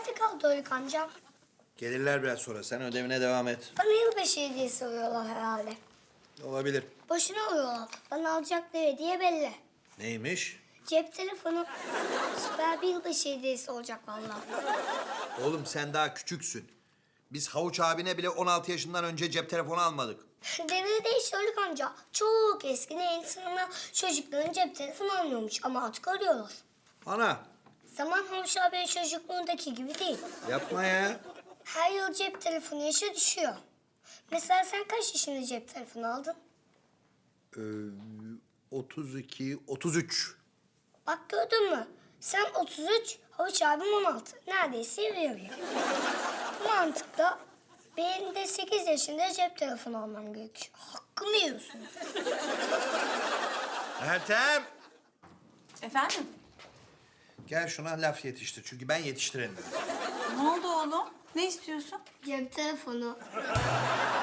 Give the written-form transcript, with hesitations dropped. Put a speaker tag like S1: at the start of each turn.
S1: nerede kaldı Haluk amcam?
S2: Gelirler biraz sonra. Sen ödevine devam et.
S1: Bana yılbaşı hediyesi alıyorlar herhalde.
S2: Olabilir.
S1: Boşuna alıyorlar. Bana alacakları hediye belli.
S2: Neymiş?
S1: Cep telefonu. Süper bir yılbaşı hediyesi olacak vallahi.
S2: Oğlum sen daha küçüksün. Biz Havuç abine bile 16 yaşından önce cep telefonu almadık.
S1: Devir değişti Haluk amca. Çok eskiden insanlar çocukların cep telefonu almıyormuş ama artık alıyorlar.
S2: Ana,
S1: Zaman Havuç abi çocukluğundaki gibi değil.
S2: yapma ya.
S1: Her yıl cep telefonu yaşı düşüyor. Mesela sen kaç yaşında cep telefonu aldın?
S2: 32, 33.
S1: Bak gördün mü? Sen 33, Havuç abim 16. Neredeyse yarı yarıya. Bu mantıkla benim de 8 yaşında cep telefonu almam gerekiyor. Hakkımı yiyorsunuz.
S2: Ertem.
S3: Efendim?
S2: Gel şuna laf yetiştir. Çünkü ben yetiştiremiyorum.
S3: Ne oldu oğlum? Ne istiyorsun?
S1: Cep telefonu.